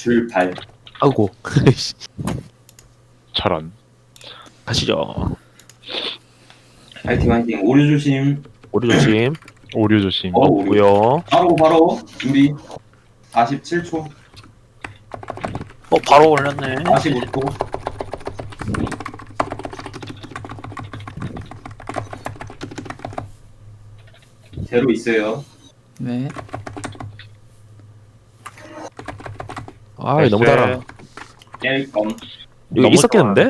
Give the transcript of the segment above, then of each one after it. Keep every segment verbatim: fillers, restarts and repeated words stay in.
출발. 아이고. 저런. 가시죠. 파이팅 파이팅. 오류 조심. 오류 조심. 오류 조심. 어, 오류. 고요. 바로 바로 준비. 사십칠 초. 어 바로 올렸네. 사십오 초. 제로 있어요. 네. 아, 너무 달아. 깰 껌. 이거 너무 있었겠는데?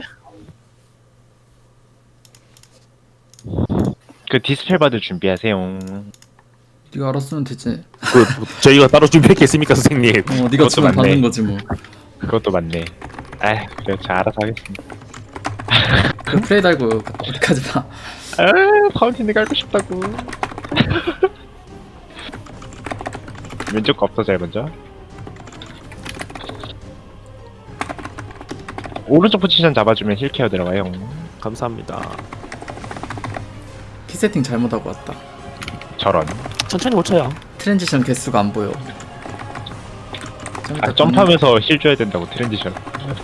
그 디스펠 받을 준비하세요. 네가 알았으면 되지. 그 저희가 따로 준비했겠습니까, 선생님? 어, 네가 그것도 주면 맞네. 받는 거지 뭐. 그것도 맞네. 아, 그래, 저 알아서 하겠습니다. 그 플레이 달고 어디까지 봐. 아, 파운틴을 갈고 싶다고. 왼쪽 거 없어져요, 먼저. 오른쪽 포지션 잡아주면 힐케어 들어가요. 감사합니다. 키 세팅 잘못하고 왔다. 저런. 천천히 못 쳐요. 트랜지션 개수가 안 보여. 좀 이따 아, 점프하면서 힐 줘야 된다고, 트랜지션.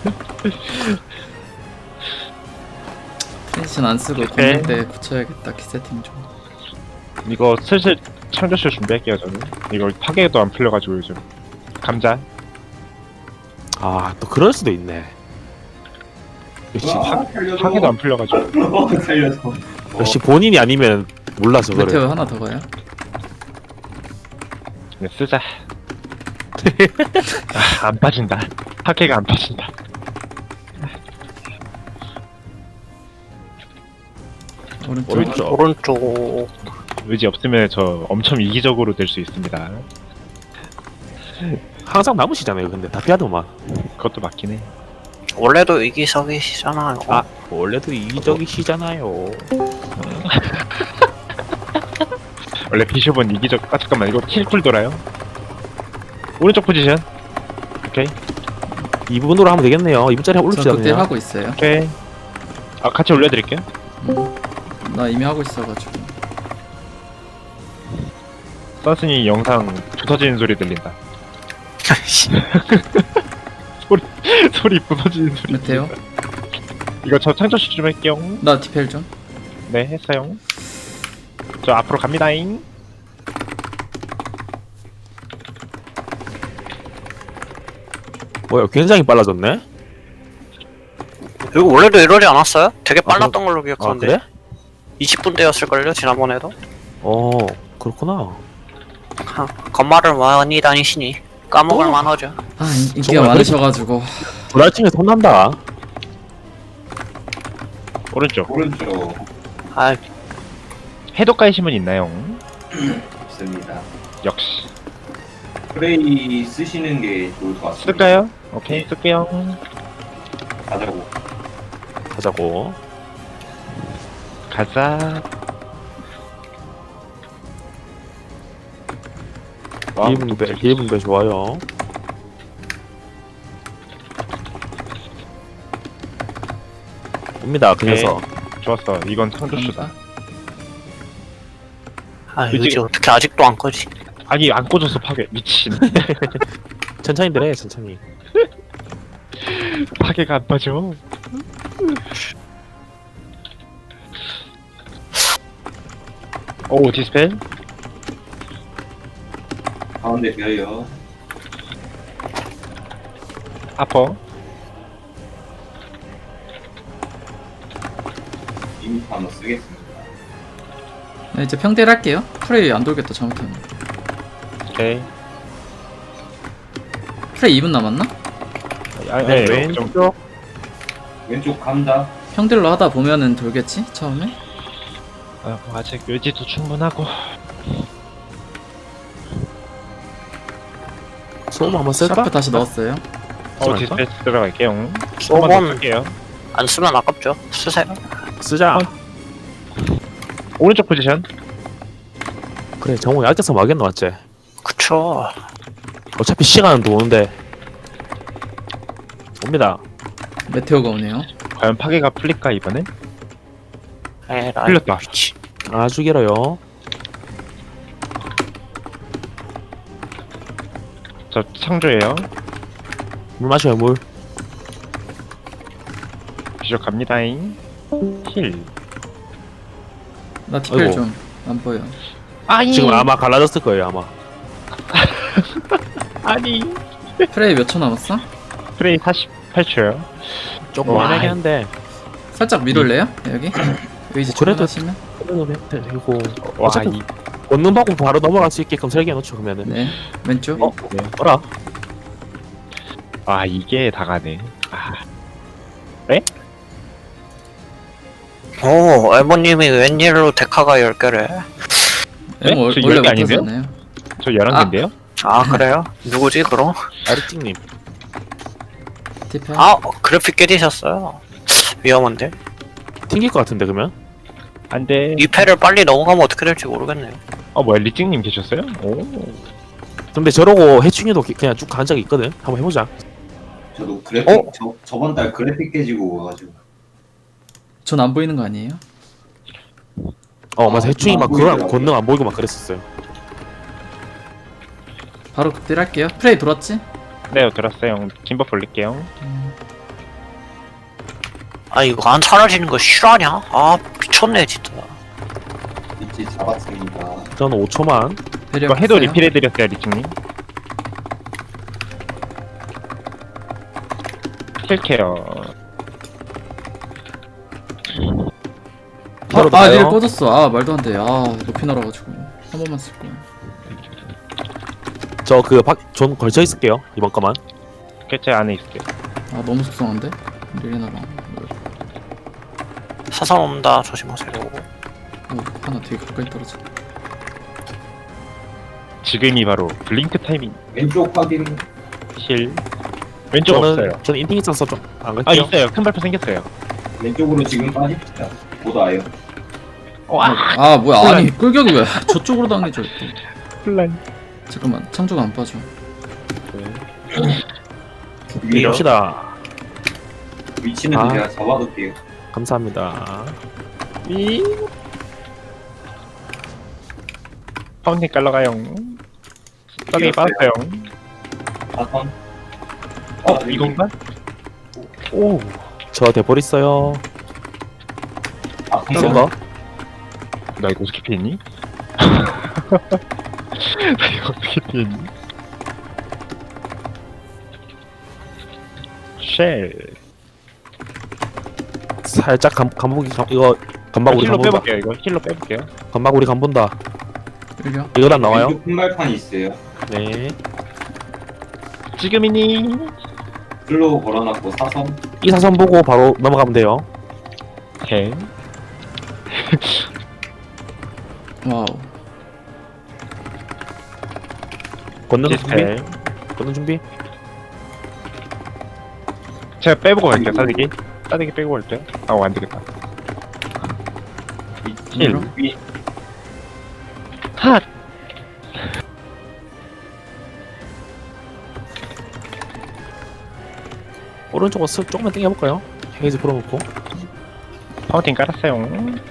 트랜지션 안 쓰고 걷는 때 고쳐야겠다. 키 세팅 좀. 이거 슬슬 창조쇼 준비할게요, 저는. 이거 파괴도 안 풀려가지고 요즘. 감자. 아, 또 그럴 수도 있네. 역시 아, 살려줘. 파괴도 안 풀려가지고. 살려줘. 역시 본인이 아니면 몰라서 그래. 메테오 하나 더 가요? 네, 쓰자. 아, 안 빠진다. 파괴가 안 빠진다. 오른쪽. 오른쪽. 오른쪽. 의지 없으면 저 엄청 이기적으로 될 수 있습니다. 항상 남으시잖아요. 근데 다 피하더만. 그것도 맞긴 해. 원래도 이기적이시잖아요. 아, 원래도 이기적이시잖아요. 원래 비숍은 이기적. 아, 잠깐만, 이거 킬쿨 돌아요. 오른쪽 포지션. 오케이. 이 부분으로 하면 되겠네요. 이 분짜리 저 올립시다 그때 그냥. 하고 있어요. 오케이. 아, 같이 올려드릴게요. 음. 나 이미 하고 있어가지고. 선순이 영상 부서지는 소리 들린다. 소리, 소리 부서지는 소리. 메테오. 이거 저 창조시 좀 할게요. 나 디펠 좀. 네, 했어요. 저 앞으로 갑니다잉. 뭐야, 굉장히 빨라졌네. 이거 원래도 이러지 않았어요? 되게 빨랐던 그럼- 걸로 아, 기억하는데. 그래? 이십 분대였을걸요 지난번에도. 어, 그렇구나. 하, 건말을 많이 다니시니 까먹을 어. 만하죠. 아 인- 인기가 정말 많으셔가지고. 브라이팅에 손난다. 오른쪽. 오른쪽 아 해독 가이시면 있나요? 있습니다. 역시. 프레이 쓰시는 게 좋을 것 같습니다. 쓸까요? 오케이, 쓸게요. 가자고. 가자고. 가자. 와, 일 분배, 일 분배 좋아요. 옵니다, 그 오케이. 녀석. 좋았어. 이건 창조쇼다. 간다. 아 그치? 이제 어떻게 아직도 안 꺼지? 아니, 안 꽂아서 파괴. 미친. 천천히들 해, 천천히. 파괴가 안 빠져. 오, 디스펠. 가운데 비어요. 아퍼. 이미 한번 쓰겠습니다. 네, 이제 평딜 할게요. 프레이 안 돌겠다 잘못하면. 오케이. 프레이 이 분 남았나? 아, 네, 네, 왼쪽. 좀, 왼쪽 감자. 평딜로 하다 보면은 돌겠지 처음에. 아, 뭐 아직 의지도 충분하고. 소음 한번 쓸까? 샤프 다시 넣었어요. 어, 하지 디스펠 들어갈게요. 한번 더 소번 쓸게요. 안 쓰면 아깝죠. 쓰세요. 쓰자. 어. 오른쪽 포지션. 그래, 정우 약해서 막겠노, 맞지? 그쵸. 어차피 시간은 도는데. 옵니다. 메테오가 오네요. 과연 파괴가 풀릴까, 이번엔? 에라이 풀렸다. 미치. 아주 길어요. 저 창조예요. 물 마셔요 물. 비숍 갑니다잉. 힐. 나 티펠 아이고. 좀 안 보여. 아니. 지금 아마 갈라졌을 거예요 아마. 아니. 프레이 몇 초 남았어? 프레이 사십팔 초요. 조금 와. 애매하긴 한데. 살짝 밀을래요? 여기? 의지 그래도- 출근하시면? 그래도 해도 되고. 와, 어차피 이. 원룸 받고 바로 넘어갈 수 있게끔 설계해 놓죠 그러면은. 네. 왼쪽. 어? 뭐라? 아, 이게 다가네. 아, 오, 엘모님이 웬일로 데카가 열 개래? 네? 엠 월- 저 원래 열개 아닌데요? 못하잖아요. 저 열한 개인데요? 아, 그래요? 누구지, 그럼? 아르틱님. 티펠. 아, 그래픽 깨지셨어요. 위험한데? 튕길 것 같은데 그러면? 안 돼. 이 패를 빨리 넘어가면 어떻게 될지 모르겠네요. 어, 뭐야, 리찡님 계셨어요? 오. 근데 저러고 해충이도 그냥 쭉 간 적이 있거든. 한번 해보자. 저도 그래픽 어? 저, 저번 달 그래픽 깨지고 와가지고 전 안 보이는 거 아니에요? 어 맞아 아, 해충이 안 막 그런 보이더라고요. 권능 안 보이고 막 그랬었어요. 바로 극딜 할게요. 프레이 돌았지? 네, 들었어요. 김버 볼릴게요. 음, 아, 이거 안 사라지는 거 실화냐? 아, 미쳤네, 진짜. 위치 잡았습니다. 저는 오 초만. 배려 이거 해도 없어요. 리필해드렸어요, 리찡님. 킬케어. 아, 바로 아 가요. 닐 꺼졌어. 아 말도 안 돼. 아 높이 날아가지고 한 번만 쓸 거야. 저그박존 걸쳐 있을게요 이번 거만. 개체 안에 있을게요. 아 너무 속상한데? 릴리나랑 사선 온다, 조심하세요. 오 하나 되게 가까이 떨어져. 지금이 바로 블링크 타이밍. 왼쪽 확인. 힐. 왼쪽 저는 없어요. 저는 인팅 있어서 좀 안 아, 갈게요. 있어요. 큰 발표 생겼어요. 왼쪽으로 지금 빠집시다. 못 와요. 와, 아 뭐야 아니 끌격이 왜 저쪽으로 당해져 또. 플란. 잠깐만 창조가 안 빠져. 위로 갑시다. 위치는 아. 제가 잡아둘게요. 감사합니다. 이. 파운틴 깔러가요. 싸게 이겼어요. 빠졌어요. 사선. 어, 아, 이건가? 오. 저 대볼 있어요. 아픈 센 거. 거. 나 이거 어떻게 피했니? 나 이거 어떻게 피했니? 쉘. 살짝 감 감보기 감, 이거 감바구리 힐로 감본다. 빼볼게요. 이거 힐로 빼볼게요. 감바구리 감본다. 끌려. 이거랑 나와요? 왼쪽 큰발판이 있어요. 네. 지금이니? 슬로우 걸어놨고 사선. 이 사선 보고 바로 넘어가면 돼요. 오케이. 와우. 걷는 준비. 디스펠. 걷는 준비. 제가 빼보고 갈게요. 싸대기. 싸대기 빼고 갈게요. 아, 안 되겠다. 힐. 위 핫. 오른쪽으로 쓱 조금만 당겨볼까요? 헤이즈 풀어놓고 파운틴 깔았어요.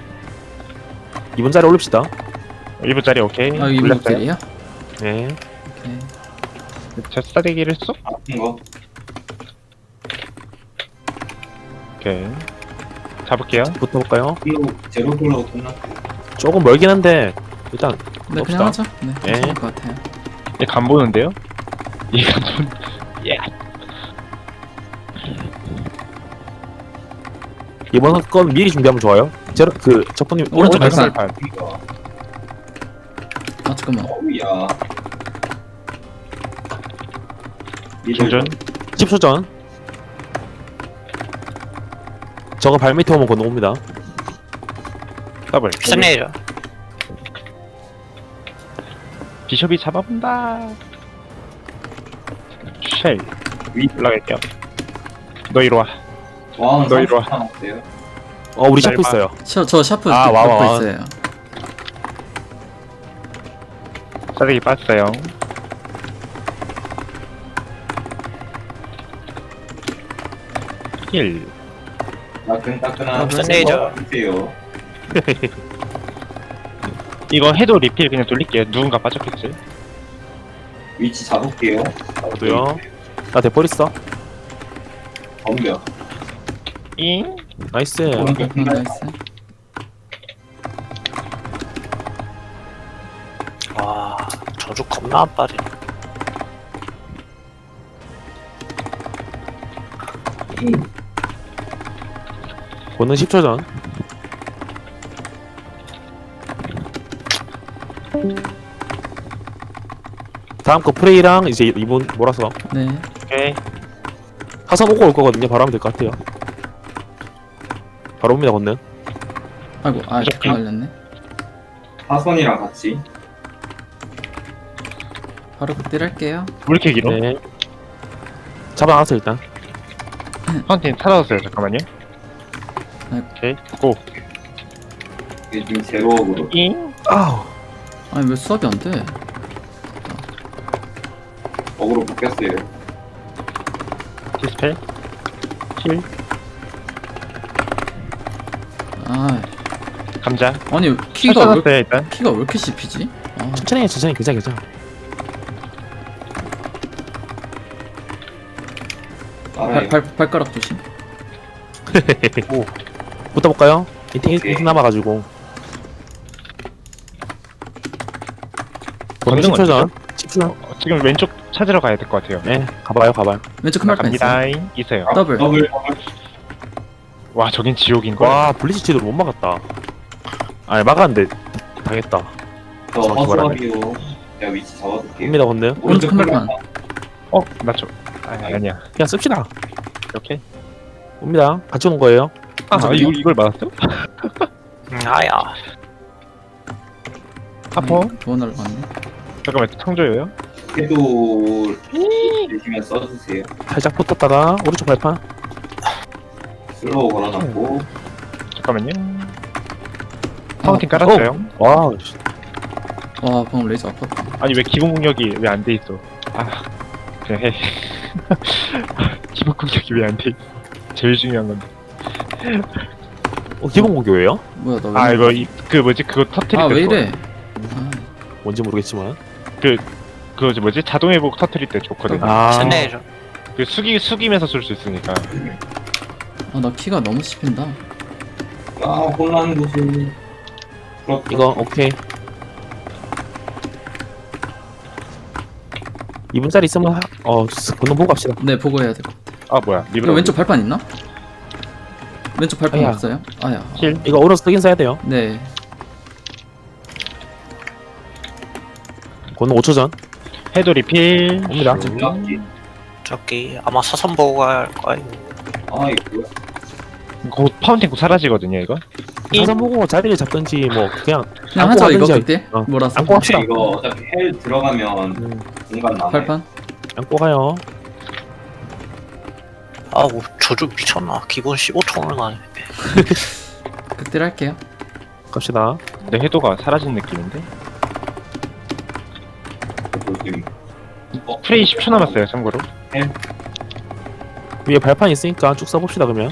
이번 자리 올립시다. 일 분짜리 오케이. 아 이거 올렸어요. 목소리야? 네. 오케이. 저 싸대기를 쏙. 아픈 거. 오케이. 잡을게요. 붙어볼까요? 슬로우 제로 슬로우 끝났고. 조금 멀긴 한데 일단 네 봅시다. 그냥 하자. 네 예. 괜찮을 것 같아요. 얘 간 보는데요? 얘간 보는. 예. 이번 건 미리 준비하면 좋아요. 제로 그 적군님 오른쪽 오른쪽 발판. 발판. 이거. 아 잠깐만. 어우야. 충전. 십 초 전. 저거 발 밑에 오면 건너옵니다. 더블. 스네이저. 비숍이 잡아본다. 쉘. 위. 올라갈게요. 너 이리 와. 와운 너 이리 와. 어때요? 어 우리 날 샤프 봐. 있어요. 저, 저 샤프 아, 아, 와, 와, 넣고 와. 있어요. 싸대기 빠졌어요. 힐. 따끈따끈한 스네이저. 주세요. 이거 해도 리필 그냥 돌릴게요. 누군가 빠졌겠지. 위치 잡을게요. 저도요. 나 대볼 있어. 덤벼. 잉? 나이스. 오른쪽 어, 큰발. 나이스. 와, 저주 겁나 안 빠지. 권능 십 초 전. 다음 거 프레이랑 이제 이분 몰아서 네. 오케이. 하선 오고 올 거거든요. 바로 하면 될 것 같아요. 바로 옵니다, 권능. 아이고, 아, 무조건. 걸렸네. 하선이랑 같이. 바로 극딜 할게요. 왜 이렇게 길어? 네. 잡아놨어 일단. 파운틴 찾아왔어요. 잠깐만요. 네. 오케이. 고. 이게 지금 제로업으로. 잉? 아우. 아니, 왜 수업이 안 돼? 어그로 바뀌었어요. 디스펠. 힐. 아, 감자. 아니, 키가 왜, 찾아왔어요 일단. 키가 왜 이렇게 씹히지? 아, 천천히 해, 천천히. 괜찮아, 괜찮아. 따라해. 발, 발, 발가락 조심. 오. 붙어볼까요? 이팅 오케이. 이팅 남아가지고. 권능 권능 십 초 전. 어디죠? 십 초 전. 어, 지금 왼쪽 찾으러 가야 될 것 같아요. 네, 가봐요, 가봐요. 왼쪽 큰 발판 있어. 갑니다. 있어요. 아, 더블. 더블. 더블. 와, 저긴 지옥인 거야. 와, 블리치 제대로 못 막았다. 아니, 막았는데 당했다. 저 정확히 말하면. 허수아비요. 제가 위치 잡아둘게요. 옵니다, 권능. 오른쪽 큰 발판. 어, 나 저. 아, 아니야. 그냥 씁시다. 오케이. 옵니다. 같이 온 거예요. 아, 저기요? 이걸 이걸 맞았어? 음, 아야. 하퍼. 아니, 더 날라갔네. 잠깐만, 창조예요? 해도 주시면 써주세요. 살짝 붙었다가 오른쪽 발판. 슬로우 걸어놨고. 잠깐만요. 파운틴 깔았어요. 와, 씨. 와, 방금 레이저 아팠다. 아니 왜 기본 공격이 왜 안 돼 있어? 아, 그냥 해. 기본 공격이 왜 안 돼 있어? 제일 중요한 건데. 어, 기본 공교예요? 뭐야, 나 왜. 아 이래? 이거 이, 그 뭐지 그거 터트릴 아, 때 왜 좋아. 이래? 아, 뭔지 모르겠지만. 그거 뭐지 자동 회복 터트릴 때 좋거든. 아, 스네이죠. 그 숙이 숙이면서 쓸 수 있으니까. 아, 나 키가 너무 씹힌다. 아, 혼란 구슬. 이거 오케이. 이 분짜리 있으면 하... 어, 건너 보고 갑시다. 네, 보고 해야 될 것 같아. 아 뭐야 리브라. 이거 왼쪽 발판 있나? 왼쪽 발판 아야. 없어요? 아야. 힐. 이거 오른 쓰긴 써야 돼요. 네. 건너 오 초 전. 해도 리필. 옵니다. 락기. 저기 아마 사선 보고 갈 거예요. 아, 이거 뭐야. 곧 파운틴 곧 사라지거든요 이거. 사선 보고 자리를 잡든지 뭐 그냥 그냥 안고 하자, 이거 가든지. 그때. 어. 몰아서. 안고 갑시다. 이거 어차피 헬 들어가면 음, 공간 남아요. 발판? 안고 가요. 아우, 저주 미쳤나. 기본 십오 톤을 가네. 극딜 할게요. 갑시다. 내 해도가 사라진 느낌인데. 지금. 어, 프레이 십 초 남았어요 참고로. 위에 발판 있으니까 쭉 써봅시다 그러면.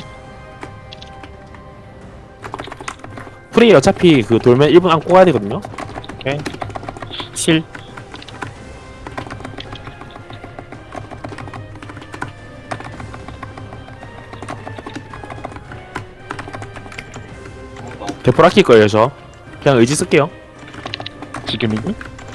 프레이 어차피 그 돌면 일 분 안고 가야 되거든요. 오케이. 힐. 대포 아낄 거예요 저. 그냥 의지 쓸게요. 지금이니?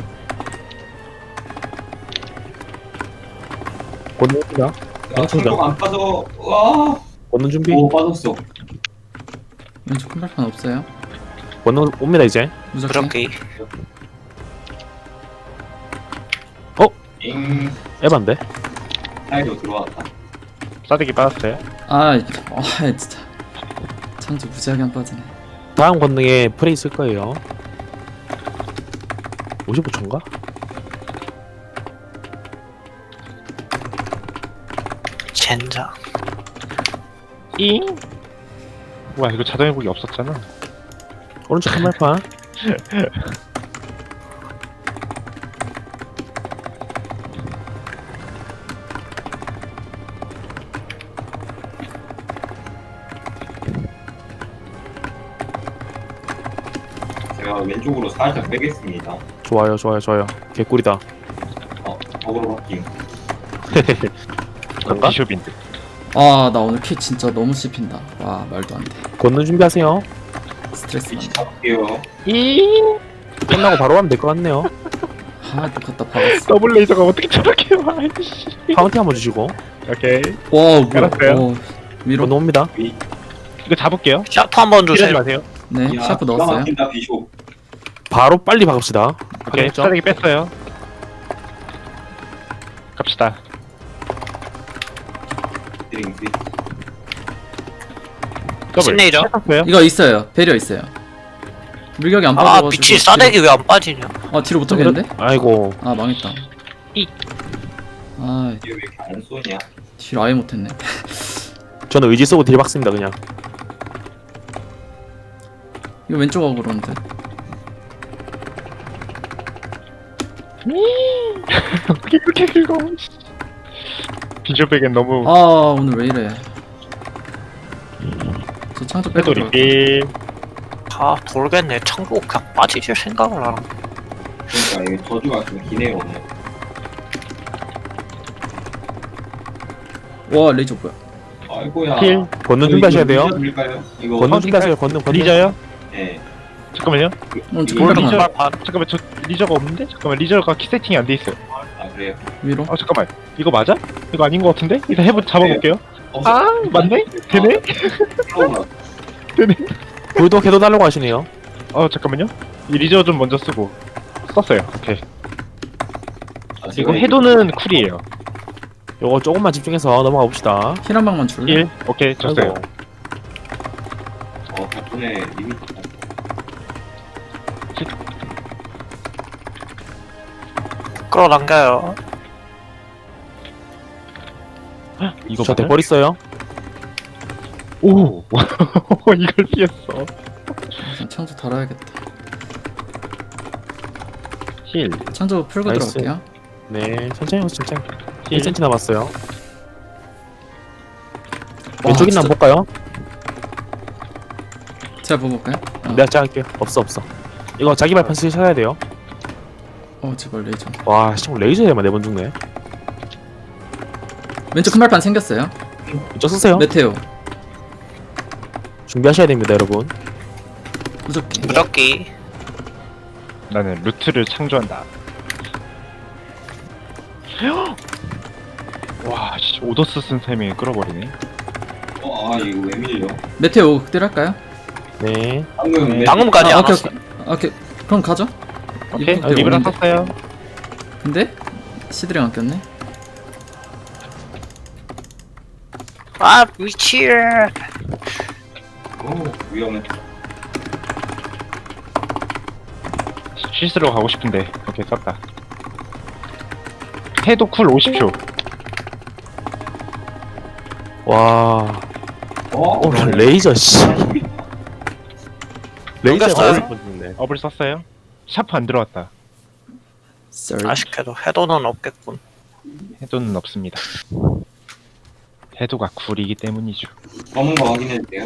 권능입니다. 야, 충격 안 빠져. 와. 권능 준비. 오, 빠졌어. 왼쪽 큰 발판 없어요? 권능 옵니다 이제. 무조건. 그렇게 잉. 에반데. 사이로 들어왔다. 싸대기 빠졌어요. 아, 이게- 아, 진짜. 창조 무지하게 안 빠지네. 다음 권능에 프레이 쓸 거예요. 오십오 초인가? 젠장. 잉. 와 이거 자동 회복이 없었잖아. 오른쪽 큰 발판. 제가 왼쪽으로 살짝 빼겠습니다. 좋아요, 좋아요, 좋아요. 개꿀이다. 어, 어그로 바뀜. 그런가? 비숍인데. 아 나 오늘 키 진짜 너무 씹힌다. 와 말도 안 돼. 걷는 준비하세요. 스트레스 위치 받네. 잡을게요. 끝나고 바로 가면 될 것 같네요. 아 똑같다 박았어. 더블 레이저가 어떻게 저렇게 와? 씨. 카운팅 한번 주시고 오케이. 와 뭐야. 알았어요. 어, 위로. 건너옵니다. 이거 잡을게요. 샤프 한번 이러지 주세요. 마세요. 네 야, 샤프 기가 넣었어요. 막힌다, 비숍. 바로 빨리 박읍시다. 오케이. 확인했죠? 싸대기 뺐어요. 갑시다. 드링크. 더블. 신레이저. 뺐어요. 이거 있어요. 배려 있어요. 물격이 안 아 빠져가지고. 미치 싸대기 왜 안 빠지냐. 뒤로, 아 뒤로 못 하겠는데? 아이고. 아 망했다. 이. 아 이게 왜 이렇게 안 쏘냐? 뒤로 아예 못했네. 저는 의지 쓰고 딜 박습니다 그냥. 이거 왼쪽 하고 그러는데. 어떻게 그렇게 긁어? 비주백엔 너무 아 오늘 왜 이래. 저 창조 빼고 해도 들어갈게요. 리필. 아 모르겠네. 창고 그냥 빠지실 생각을 안 하고. 그러니까 이게 저주가 좀 기네요, 오늘. 와 레이저 뭐야. 아이고야. 힐. 걷는 준비하셔야 돼요. 밀까요? 이거 걷는 준비하세요. 걷는 걷는. 리저요? 네. 잠깐만요. 오늘 저 이거 깜짝 리저. 놀랐네. 반. 잠깐만 저 리저가 없는데? 잠깐만 리저가 키 세팅이 안 돼 있어요. 아 그래요. 위로. 아 잠깐만 이거 맞아? 이거 아닌 것 같은데? 일단 해보 잡아볼게요. 어, 아 맞네? 되네? 어, 되네? 불도 개도 달라고 하시네요. 어 잠깐만요. 이 리저 좀 먼저 쓰고 썼어요. 오케이. 아, 이거 제가 해도는 쿨이에요. 요거 조금만 집중해서 넘어가 봅시다. 힐 한 방만 줄래? 일. 오케이 줬어요. 어 덕분에 리미트. 끌어당겨요. 이거 저 맞아요? 대벌 있어요. 오 이걸 피했어. 우선 창조 달아야겠다. 힐. 창조 풀고 나이스. 들어갈게요. 네, 천천히 오세요, 천천히. 힐. 일 센티미터 남았어요. 와, 왼쪽 있나 진짜- 한번 볼까요? 제가 보고 볼까요? 어, 내가 제가 할게요. 없어, 없어. 이거 자기 발판 쓰셔야 돼요. 어 제발 레이저. 와, 씨, 레이저에만 네 번 죽네. 왼쪽 큰 발판 생겼어요. 이쪽 쓰세요. 메테오. 준비하셔야 됩니다, 여러분. 무적기. 무적기. 나는 루트를 창조한다. 와, 씨, 오더스 쓴 셈이 끌어버리네. 어아 이거 왜 밀려? 메테오 극딜 할까요? 네. 방금 네. 왜- 방금까지 아, 안 오케이, 왔어. 오케이. 오케이. 그럼 가죠. 오케이, 이거 아, 리브라 오는데? 샀어요. 근데 시드링 안 꼈네. 아 미치. 오 위험해. 실수로 가고 싶은데. 오케이, 썼다. 해도 쿨 오십 초. 와, 어 오, 레이저, 씨. 레이저가 넘겼어요? 어디서 죽네. 업을 썼어요. 샤프 안 들어왔다. Sorry. 아쉽게도 해도는 없겠군. 해도는 없습니다. 해도가 쿨이기 때문이죠. 검은 거 확인해 주세요.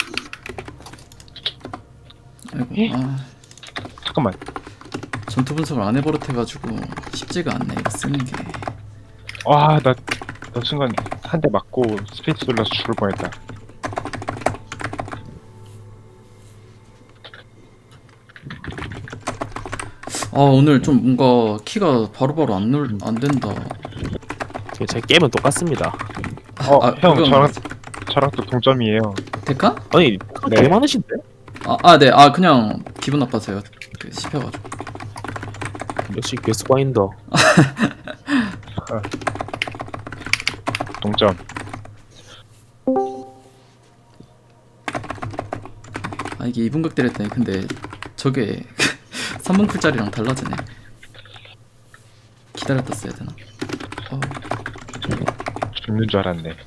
아이고. 아, 잠깐만. 전투 분석을 안 해버릇해가지고 쉽지가 않네 이거 쓰는 게. 와, 나, 나 순간 한 대 맞고 스페이스 눌러서 죽을 뻔했다. 아 오늘 좀 뭔가 키가 바로바로 안, 눌, 안 된다. 제 게임은 똑같습니다. 어, 아, 형, 그건 저랑, 저랑 또 동점이에요. 데카? 아니, 네. 되게 많으신데? 아, 아, 네. 아, 그냥 기분 나빠서요. 그 씹혀가지고. 역시 괴스 과인더. 동점. 아, 이게 이 분 극딜 했더니 근데 저게 삼 분 쿨짜리랑 달라지네. 기다렸다 써야 되나? 어, 죽는 줄 알았네.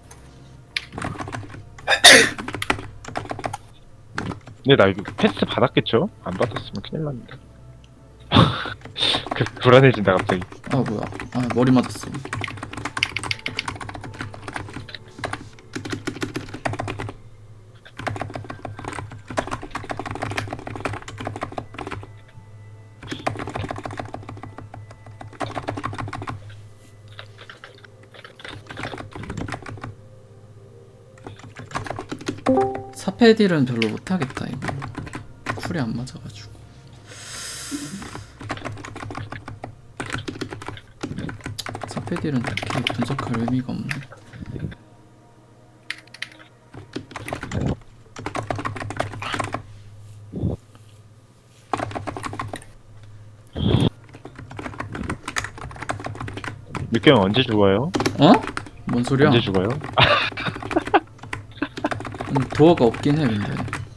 근데 나 이거 패스 받았겠죠? 안 받았으면 큰일 납니다. 그 불안해진다 갑자기. 아, 뭐야. 아, 머리 맞았어. 사페딜은 별로 못하겠다 이거. 쿨이 안 맞아가지고. 사페딜은 딱히 분석할 의미가 없네. 육경 언제 죽어요? 어? 뭔 소리야? 언제 죽어요? 음, 도어가 없긴 해 근데.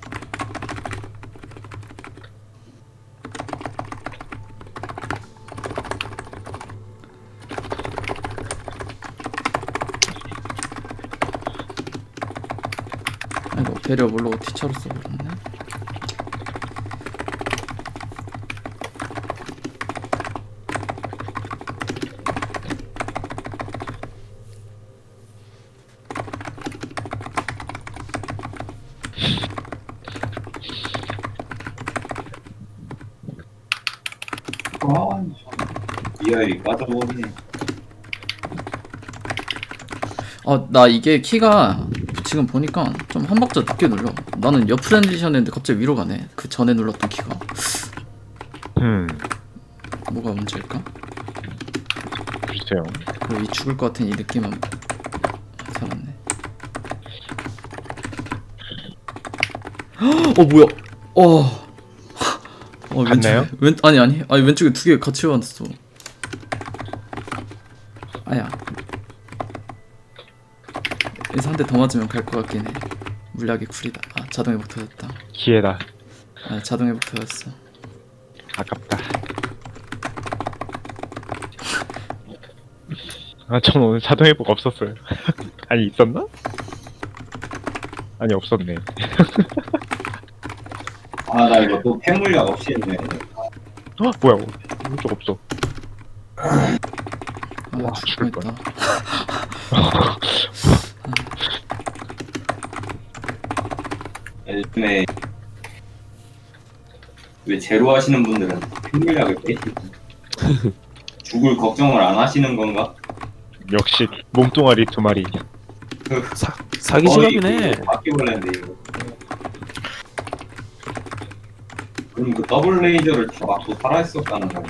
아이고 배려 모르고 티처로 써버렸네. 아, 이아이 빠져버리네. 아 나 이게 키가 지금 보니까 좀 한 박자 늦게 눌러. 나는 옆 트랜지션 했는데 갑자기 위로 가네. 그 전에 눌렀던 키가. 음, 뭐가 문제일까? 글쎄요. 그리고 이 죽을 것 같은 이 느낌은 살았네. 어 뭐야? 어. 어 갔나요? 왼쪽에 왼 아니 아니 아니 왼쪽에 두 개 같이 왔어. 아야. 여기서 한 대 더 맞으면 갈 것 같긴 해. 물약이 쿨이다. 아 자동 회복 터졌다. 기회다. 아 자동 회복 터졌어. 아깝다. 아, 전 오늘 자동 회복 없었어요. 아니, 있었나? 아니, 없었네. 아, 나 이거 또 폐물약 없이 했네. 어? 뭐야, 오른쪽 없어. 아 와, 죽을 죽을 뻔했다. 요즘에 왜 제로 하시는 분들은 폐물약을 빼시고 죽을 걱정을 안 하시는 건가? 역시, 몸뚱아리 두 마리. 사, 사기 직업이네. 바퀴벌레인데 이거. 그럼 그 더블 레이저를 다 맞고 살아있었다는 거야.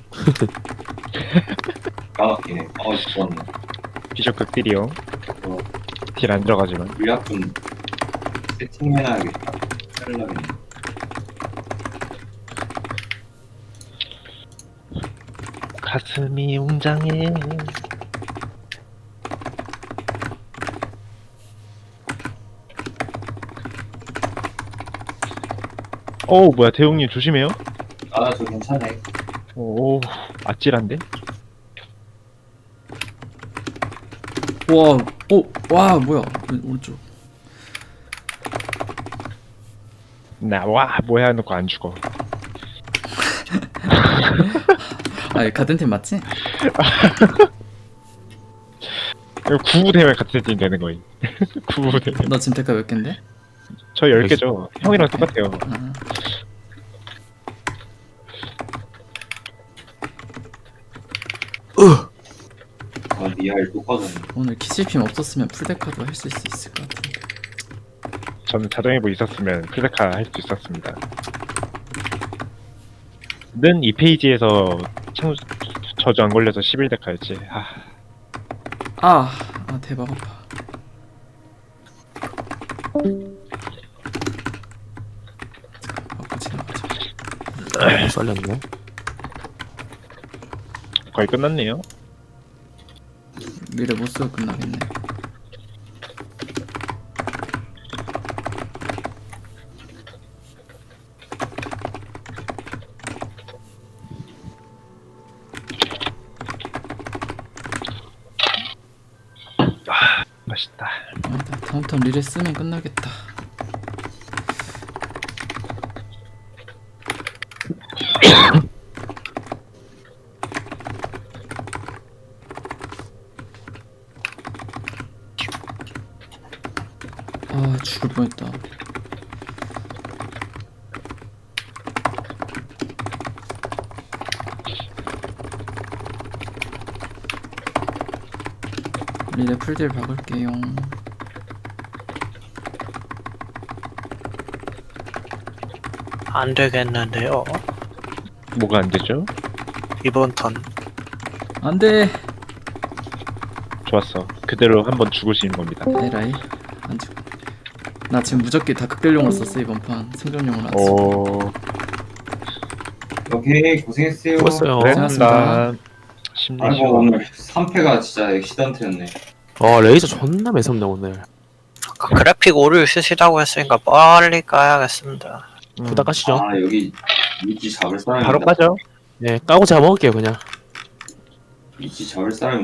까맣기네. 어, 죽었네. 비숍 극딜이요. 어. 딜 안 들어가지만. 물약 좀 세팅해놔야겠다. 살려면. 가슴이 웅장해. 어우, 뭐야, 대웅님 조심해요. 아, 저 괜찮네. 오, 아찔한데? 와, 오, 와 뭐야? 왼- 오른쪽. 나와, 뭐야, 해놓고 안 죽어. 아 같은 팀 맞지? 이거 구부 되면 같은 팀 되는 거임. 구부 되면. 너 지금 대가 몇 갠데? 저 열 개죠. 형이랑 똑같아요. 아, 아, 니알 또 빠졌네. 오늘 키실핌 없었으면 풀데카도 할 수 있을 것 같은데. 저는 자동회복 있었으면 클레카 할 수 있었습니다. 는 이 페이지에서 참 저주 안 걸려서 십일 대카였지. 아, 아, 아 대박 아파. 맞고 지나가자. 못 살렸네. 거의 끝났네요. 미래 못 쓰고 끝나겠네. 맛있다. 아니다, 다음 턴 리레 쓰면 끝나겠다. 아 죽을 뻔했다. 리레 풀딜 박을게요. 안 되겠는데요. 뭐가 안 되죠? 이번 턴. 안돼. 좋았어. 그대로 한번 죽으시는 겁니다. 에라이 안 죽. 나 지금 무적기 다 극딜용을 썼어 이번 판. 생존용을 안 써. 오, 오케이 고생했어요. 수고했어요. 네, 고생하셨습니다. 감사합니다. 심리 아이고 시험. 오늘 삼 패가 진짜 액시던트였네. 어 레이저 존나 매섭네 오늘. 아까 그래픽 오류 쓰시다고 했으니까 빨리 까야겠습니다. 음, 부탁 하시죠. 아 여기 위치 잡을 사람이 바로 까죠. 네 까고 제가 먹을게요 그냥. 위치 잡을 사람이